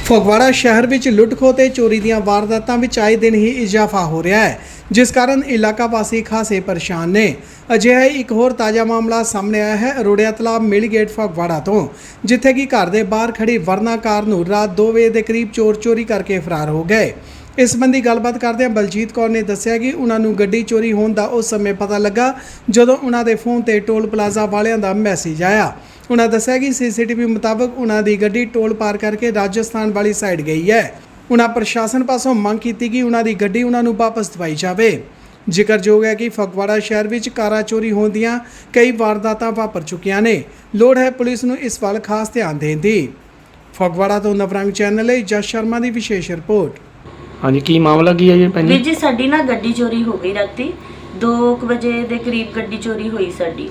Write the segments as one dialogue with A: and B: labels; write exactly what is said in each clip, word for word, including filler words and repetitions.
A: ਫਗਵਾੜਾ ਸ਼ਹਿਰ ਵਿੱਚ ਲੁੱਟ-ਖੋਹ ਤੇ ਚੋਰੀ ਦੀਆਂ ਵਾਰਦਾਤਾਂ ਵਿੱਚ ਆਏ ਦਿਨ ਹੀ ਇਜ਼ਾਫਾ ਹੋ ਰਿਹਾ ਹੈ, ਜਿਸ ਕਾਰਨ ਇਲਾਕਾ ਵਾਸੀ ਖਾਸੇ ਪਰੇਸ਼ਾਨ ਨੇ। ਅਜਿਹਾ ਇੱਕ ਹੋਰ ਤਾਜ਼ਾ ਮਾਮਲਾ ਸਾਹਮਣੇ ਆਇਆ ਹੈ ਰੋੜਿਆ ਤਲਾਬ ਮਿਲ ਗੇਟ ਫਗਵਾੜਾ ਤੋਂ, ਜਿੱਥੇ ਕਿ ਘਰ ਦੇ ਬਾਹਰ ਖੜੀ ਵਰਨਾ ਕਾਰ ਨੂੰ ਰਾਤ ਦੋ ਵਜੇ ਦੇ ਕਰੀਬ ਚੋਰ ਚੋਰੀ ਕਰਕੇ ਫਰਾਰ ਹੋ ਗਏ। ਇਸ ਸੰਬੰਧੀ ਗੱਲਬਾਤ ਕਰਦਿਆਂ ਬਲਜੀਤ ਕੌਰ ਨੇ ਦੱਸਿਆ ਕਿ ਉਹਨਾਂ ਨੂੰ ਗੱਡੀ ਚੋਰੀ ਹੋਣ ਦਾ ਉਸ ਸਮੇਂ ਪਤਾ ਲੱਗਾ ਜਦੋਂ ਉਹਨਾਂ ਦੇ ਫੋਨ ਤੇ ਟੋਲ ਪਲਾਜ਼ਾ ਵਾਲਿਆਂ ਦਾ ਮੈਸੇਜ ਆਇਆ। उन्होंने दस्सिया कि सीसीटीवी मुताबिक उन्होंने गड्डी टोल पार करके राजस्थान वाली साइड गई है। उन्होंने प्रशासन पासों मंग की कि उन्होंने गड्डी उन्होंने वापस दवाई जाए। जिक्रयोग है कि फगवाड़ा शहर में कारां चोरी होने दी कई वारदातां वापर चुकियां ने। लोड़ है पुलिस नूं इस वाल खास ध्यान देने दी। फगवाड़ा तो नवरंग चैनल है जस शर्मा की विशेष रिपोर्ट।
B: हाँ जी, की मामला की है जी?
C: वीर जी साडी ना गड्डी चोरी हो गई राती दो बजे दे करीब गड्डी चोरी हुई साडी।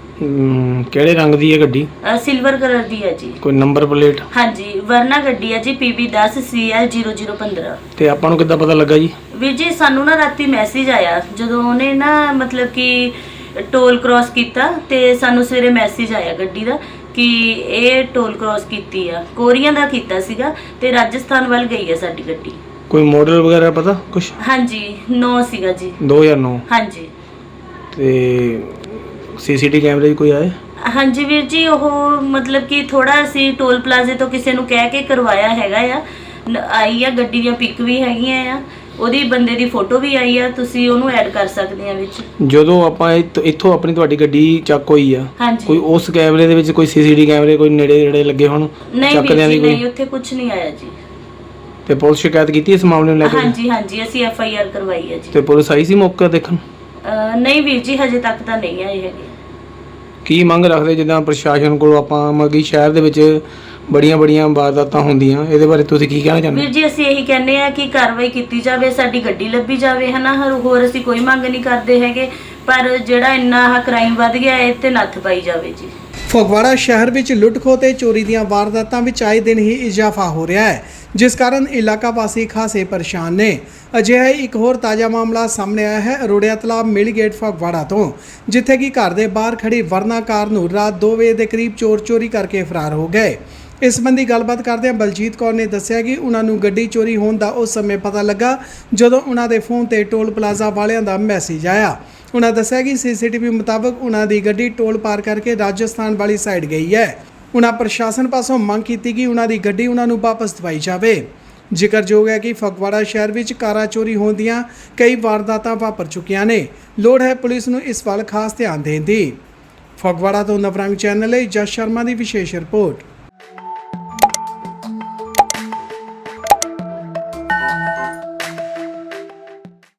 B: ਕਿਹੜੇ ਰੰਗ ਦੀ ਹੈ ਗੱਡੀ?
C: सिल्वर कलर दी है जी।
B: ਕੋਈ ਨੰਬਰ ਪਲੇਟ?
C: हाँ जी, वरना गड्डी है जी पी बी दस सी एल जीरो जीरो पंद्रह।
B: ਤੇ ਆਪਾਂ ਨੂੰ ਕਿੱਦਾਂ ਪਤਾ ਲੱਗਾ ਜੀ?
C: ਵੀਰ ਜੀ ਸਾਨੂੰ ਨਾ ਰਾਤੀ ਮੈਸੇਜ ਆਇਆ ਜਦੋਂ ਉਹਨੇ ਨਾ ਮਤਲਬ ਕਿ ਟੋਲ ਕ੍ਰਾਸ ਕੀਤਾ ਤੇ ਸਾਨੂੰ ਸਵੇਰੇ ਮੈਸੇਜ ਆਇਆ ਗੱਡੀ ਦਾ ਕਿ ਇਹ ਟੋਲ ਕ੍ਰਾਸ ਕੀਤੀ ਆ, ਕੋਰੀਆਂ ਦਾ ਕੀਤਾ ਸੀਗਾ ਤੇ ਰਾਜਸਥਾਨ ਵੱਲ ਗਈ ਹੈ ਸਾਡੀ ਗੱਡੀ।
B: ਕੋਈ ਮਾਡਲ ਵਗੈਰਾ ਪਤਾ ਕੁਛ?
C: ਹਾਂਜੀ ਨੌ ਸੀਗਾ ਜੀ।
B: ਦੋ ਹਜ਼ਾਰ ਨੌ?
C: ਹਾਂਜੀ।
B: ਤੇ ਸੀਸੀਟੀ ਕੈਮਰੇ ਕੋਈ ਆਏ?
C: ਹਾਂਜੀ ਵੀਰ ਜੀ, ਉਹ ਮਤਲਬ ਕਿ ਥੋੜਾ ਅਸੀਂ ਟੋਲ ਪਲਾਜ਼ੇ ਤੋਂ ਕਿਸੇ ਨੂੰ ਕਹਿ ਕੇ ਕਰਵਾਇਆ ਹੈਗਾ ਆ। ਨ- ਆਈ ਆ ਗੱਡੀ ਦੀਆਂ ਪਿਕ ਵੀ ਹੈਗੀਆਂ ਆ, ਉਹਦੀ ਬੰਦੇ ਦੀ ਫੋਟੋ ਵੀ ਆਈ ਆ, ਤੁਸੀਂ ਉਹਨੂੰ ਐਡ ਕਰ ਸਕਦੇ ਆ ਵਿੱਚ।
B: ਜਦੋਂ ਆਪਾਂ ਇੱਥ- ਇੱਥੋਂ ਆਪਣੀ ਤੁਹਾਡੀ ਗੱਡੀ ਚੱਕ ਹੋਈ ਆ,
C: ਹਾਂਜੀ।
B: ਕੋਈ ਉਸ ਕੈਮਰੇ ਦੇ ਵਿੱਚ ਕੋਈ ਸੀਸੀਟੀ ਕੈਮਰੇ ਕੋਈ ਨੇੜੇ ਨੇੜੇ ਲੱਗੇ ਹੋਣ
C: ਨਹੀਂ
B: ਚੱਕਦਿਆਂ
C: ਵੀਰ
B: ਦੀ
C: ਜੀ, ਨਹੀਂ
B: ਕੋਈ?
C: ਉੱਥੇ ਕੁਝ ਨਹੀਂ ਆਇਆ ਜੀ।
B: ਤੇ ਪੁਲਿਸ ਸ਼ਿਕਾਇਤ ਕੀਤੀ ਇਸ ਮਾਮਲੇ ਨੂੰ ਲੈ ਕੇ?
C: ਹਾਂਜੀ ਹਾਂਜੀ, ਅਸੀਂ ਐਫ ਆਈ ਆਰ ਕਰਵਾਈ ਹੈ ਜੀ।
B: ਤੇ ਪੁਲਿਸ ਆਈ ਸੀ ਮੌਕਾ ਦੇਖਣ?
C: ਅਹ ਨਹੀਂ ਵੀਰ ਜੀ, ਹਜੇ ਤੱਕ ਤਾਂ ਨਹੀਂ ਆਏ ਹੈਗੇ।
B: ਕੀ ਮੰਗ ਰੱਖਦੇ ਜਿੱਦਾਂ ਪ੍ਰਸ਼ਾਸਨ ਕੋਲ ਆਪਾਂ ਮਗੀ ਸ਼ਹਿਰ ਦੇ ਵਿੱਚ ਬੜੀਆਂ ਬੜੀਆਂ ਵਾਰਦਾਤਾਂ ਹੁੰਦੀਆਂ, ਇਹਦੇ ਬਾਰੇ ਤੁਸੀਂ ਕੀ ਕਹਿਣਾ ਚਾਹੁੰਦੇ?
C: ਵੀਰ ਜੀ ਅਸੀਂ ਇਹੀ ਕਹਿੰਦੇ ਆ ਕਿ ਕਾਰਵਾਈ ਕੀਤੀ ਜਾਵੇ, ਸਾਡੀ ਗੱਡੀ ਲੱਭੀ ਜਾਵੇ ਹਨਾ। ਹਰ- ਹੋਰ ਅਸੀਂ ਕੋਈ ਮੰਗ ਨਹੀਂ ਕਰਦੇ ਹੈਗੇ, ਪਰ ਜਿਹੜਾ ਇੰਨਾ ਆਹ ਕ੍ਰਾਈਮ ਵੱਧ ਗਿਆ ਇਹ ਤੇ ਨੱਥ ਪਾਈ ਜਾਵੇ ਜੀ।
A: ਫਗਵਾੜਾ ਸ਼ਹਿਰ ਵਿੱਚ ਲੁੱਟ-ਖੋਹ ਤੇ ਚੋਰੀ ਦੀਆਂ ਵਾਰਦਾਤਾਂ ਵਿੱਚ ਆਏ ਦਿਨ ਹੀ ਇਜ਼ਾਫਾ ਹੋ ਰਿਹਾ ਹੈ, ਜਿਸ ਕਾਰਨ ਇਲਾਕਾ ਵਾਸੀ ਖਾਸੇ ਪਰੇਸ਼ਾਨ ਨੇ। ਅਜਿਹਾ ਇੱਕ ਹੋਰ ਤਾਜ਼ਾ ਮਾਮਲਾ ਸਾਹਮਣੇ ਆਇਆ ਹੈ ਰੋੜਿਆ ਤਲਾਬ ਮਿਲ ਗੇਟ ਫਗਵਾੜਾ ਤੋਂ, ਜਿੱਥੇ ਕਿ ਘਰ ਦੇ ਬਾਹਰ ਖੜੀ ਵਰਨਾ ਕਾਰ ਨੂੰ ਰਾਤ ਦੋ ਵਜੇ ਦੇ ਕਰੀਬ ਚੋਰ ਚੋਰੀ ਕਰਕੇ ਫਰਾਰ ਹੋ ਗਏ। ਇਸ ਸੰਬੰਧੀ ਗੱਲਬਾਤ ਕਰਦਿਆਂ ਬਲਜੀਤ ਕੌਰ ਨੇ ਦੱਸਿਆ ਕਿ ਉਹਨਾਂ ਨੂੰ ਗੱਡੀ ਚੋਰੀ ਹੋਣ ਦਾ ਉਸ ਸਮੇਂ ਪਤਾ ਲੱਗਾ ਜਦੋਂ ਉਹਨਾਂ ਦੇ ਫੋਨ ਤੇ ਟੋਲ ਪਲਾਜ਼ਾ ਵਾਲਿਆਂ ਦਾ ਮੈਸੇਜ ਆਇਆ। उन्होंने दस्सिया कि सीसीटीवी मुताबिक उन्होंने गड्डी टोल पार करके राजस्थान वाली साइड गई है। उन्होंने प्रशासन पासों मंग की कि उन्होंने गड्डी उन्होंने वापस दवाई जाए। जिक्रयोग है कि फगवाड़ा शहर में कारां चोरी होने दी कई वारदातां वापर चुकियां ने। लोड़ है पुलिस नूं इस वाल खास ध्यान देने दी। फगवाड़ा तो नवरंग चैनल है जस शर्मा की विशेष रिपोर्ट।